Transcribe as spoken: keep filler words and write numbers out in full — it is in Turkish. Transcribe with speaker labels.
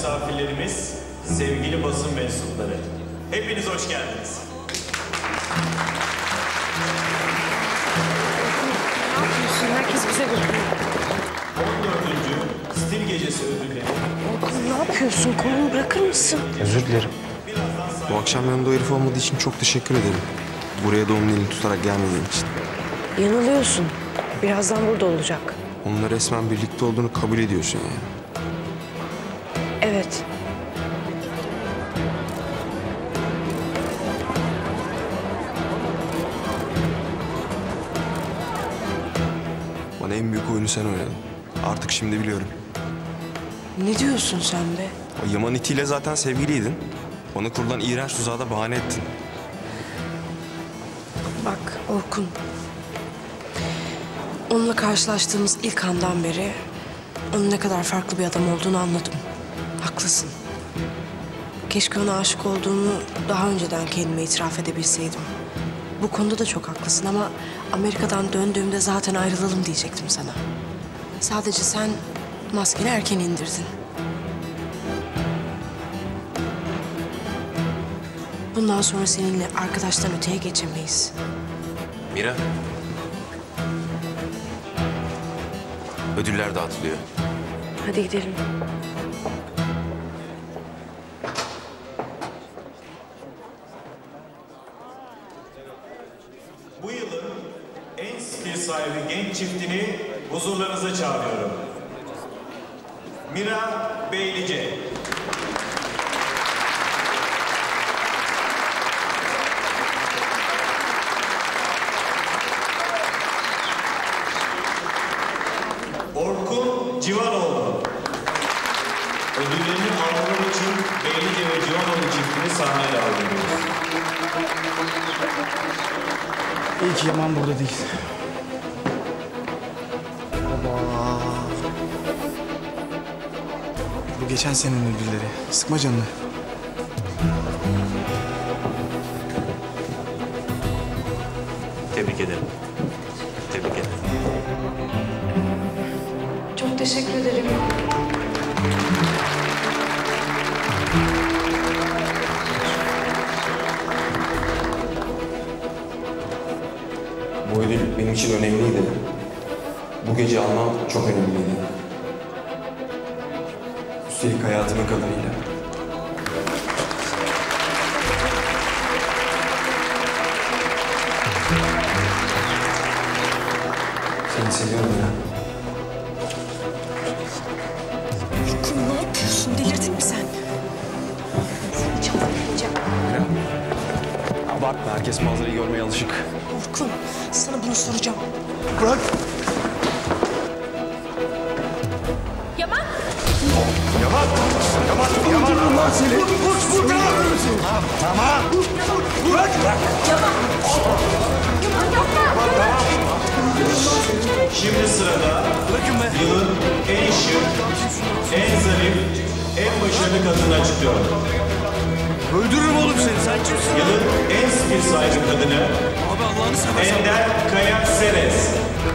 Speaker 1: misafirlerimiz, sevgili basın mensupları. Hepiniz hoş geldiniz.
Speaker 2: Ne yapıyorsun? Herkes bize bakıyor.
Speaker 1: on dördüncü Stil Gecesi ödülleri.
Speaker 2: Orkun ne yapıyorsun? Kolumu bırakır mısın?
Speaker 3: Özür dilerim. Bu akşam yanımda o herif olmadığı için çok teşekkür ederim. Buraya da onun elini tutarak gelmediğin için.
Speaker 2: Yanılıyorsun. Birazdan burada olacak.
Speaker 3: Onunla resmen birlikte olduğunu kabul ediyorsun yani.
Speaker 2: Evet.
Speaker 3: Bana en büyük oyunu sen oynadın. Artık şimdi biliyorum.
Speaker 2: Ne diyorsun sen be?
Speaker 3: O Yaman itiyle zaten sevgiliydin. Bana kurulan iğrenç tuzağa da bahane ettin.
Speaker 2: Bak Orkun. Onunla karşılaştığımız ilk andan beri onun ne kadar farklı bir adam olduğunu anladım. Haklısın. Keşke ona aşık olduğumu daha önceden kendime itiraf edebilseydim. Bu konuda da çok haklısın ama Amerika'dan döndüğümde zaten ayrılalım diyecektim sana. Sadece sen maskeni erken indirdin. Bundan sonra seninle arkadaştan öteye geçemeyiz.
Speaker 3: Mira. Ödüller dağıtılıyor.
Speaker 2: Hadi gidelim.
Speaker 1: Bu yılın en stil sahibi genç çiftini huzurlarınıza çağırıyorum. Mira Beylice. Orkun Civanoğlu. Ödüllerini almaları için Beylice ve Civanoğlu çiftini sahneye davet ediyoruz.
Speaker 4: İyi ki Yaman burada değil. Baba. Bu geçen senenin ödülleri. Sıkma canını.
Speaker 1: Tebrik ederim. Tebrik ederim.
Speaker 2: Çok teşekkür ederim.
Speaker 3: Bu ödül benim için önemliydi. Bu gece almam çok önemliydi. Üstelik hayatımın kadınıyla. Seni seviyorum ya.
Speaker 2: Orkun ne yapıyorsun? Delirdin mi sen? Seni çarpmayacağım.
Speaker 3: Abartma, herkes manzarayı görmeye alışık.
Speaker 2: Orkun, sana bunu soracağım.
Speaker 4: Bırak.
Speaker 2: Yaman!
Speaker 3: Yaman! Yaman! Yaman!
Speaker 4: Öldürürüm lan seni. Vur, vur, vur. Öldürürüm seni. Tamam, tamam. Bırak.
Speaker 2: Yaman! Yaman yapma!
Speaker 1: Şimdi sırada yılın en şık, en zarif, en başarılı kadını açıklıyorum.
Speaker 4: Öldürürüm oğlum seni. Sen kimsin?
Speaker 1: Yılın en stil sahibi kadını
Speaker 4: Abi Allah'ını seversen.
Speaker 1: Ender Kaya Seres.